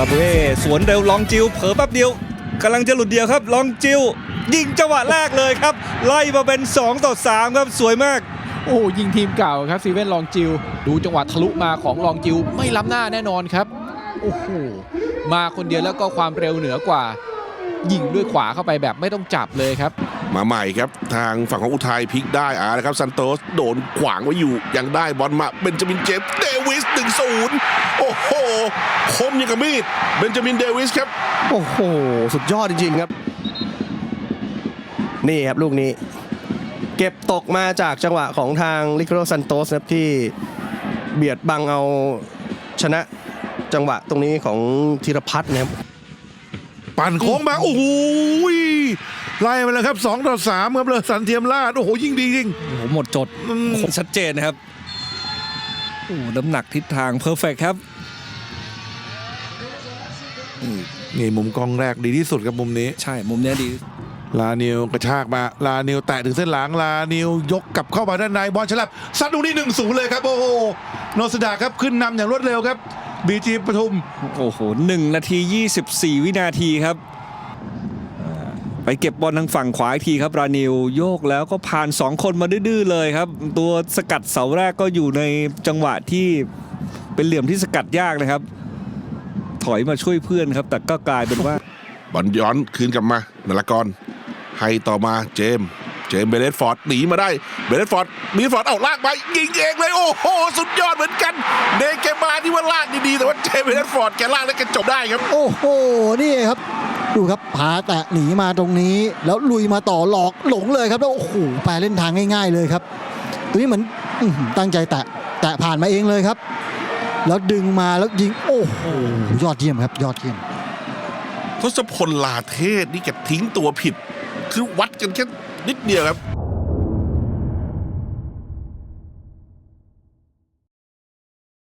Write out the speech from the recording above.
าบูเอสวนเร็วลองจิวเผลอแป๊บเดียวกำลังจะหลุดเดียวครับลองจิวยิงจังหวะแรกเลยครับไล่มาเป็น2-3ครับสวยมากโอ้ยิงทีมเก่าครับซีเว่นลองจิวดูจังหวะทะลุมาของลองจิวไม่ล้ำหน้าแน่นอนครับโอ้โหมาคนเดียวแล้วก็ความเร็วเหนือกว่ายิงด้วยขวาเข้าไปแบบไม่ต้องจับเลยครับมาใหม่ครับทางฝั่งของอุทัยพลิกได้นะครับซันโตสโดนขวางไว้อยู่ยังได้บอลมาเบนจามินเจมส์เดวิส 1-0 โอ้โหคมยังกับมีดเบนจามินเดวิสครับโอ้โหสุดยอดจริงๆครับนี่ครับลูกนี้เก็บตกมาจากจังหวะของทางลิโคโรซันโตสครับที่เบียดบังเอาชนะจังหวะตรงนี้ของธีรพัฒน์นะครับปั่นโค้งมาโอ้โหไล่มาแล้วครับ2-3ครับเลยสันเทียมราชโอ้โหยิ่งดีจริงโอ้โหหมดจดชัดเจนนะครับโอ้น้ำหนักทิศทางเพอร์เฟกครับนี่มุมกล้องแรกดีที่สุดครับมุมนี้ใช่มุมนี้ดีลานิวกระชากมาลานิวแตะถึงเส้นหลังลานิวยกกลับเข้ามาด้านในบอลฉลับซัดลูกนี้1-0เลยครับโอ้โหโนสดาครับขึ้นนำอย่างรวดเร็วครับบีจีปทุมโอ้โห1 นาที 24 วินาทีครับไปเก็บบอลทางฝั่งขวาอีกทีครับรานิวโยกแล้วก็ผ่าน2คนมาดื้อๆเลยครับตัวสกัดเสาแรกก็อยู่ในจังหวะที่เป็นเหลี่ยมที่สกัดยากนะครับถอยมาช่วยเพื่อนครับแต่ก็กลายเป็นว่าบอลย้อนคืนกลับมานรกรให้ต่อมาเจมส์เบเลสฟอร์ดหนีมาได้เบเลสฟอร์ดเอาลากไปยิงเองเลยโอ้โหสุดยอดเหมือนกันเดเกมาที่ว่าลากดีๆแต่ว่าเจมส์เบเลสฟอร์ดแกลากแล้วแกจบได้ครับโอ้โหนี่ครับดูครับพาแตะหนีมาตรงนี้แล้วลุยมาต่อหลอกหลงเลยครับแล้วโอ้โหแปลเล่นทางง่ายๆเลยครับตัวนี้เหมือนตั้งใจแตะผ่านมาเองเลยครับแล้วดึงมาแล้วยิงโอ้โหยอดเยี่ยมครับยอดเยี่ยมทศพลลาเทศนี่แกทิ้งตัวผิดคือวัดกันแค่นิดเดียวครับ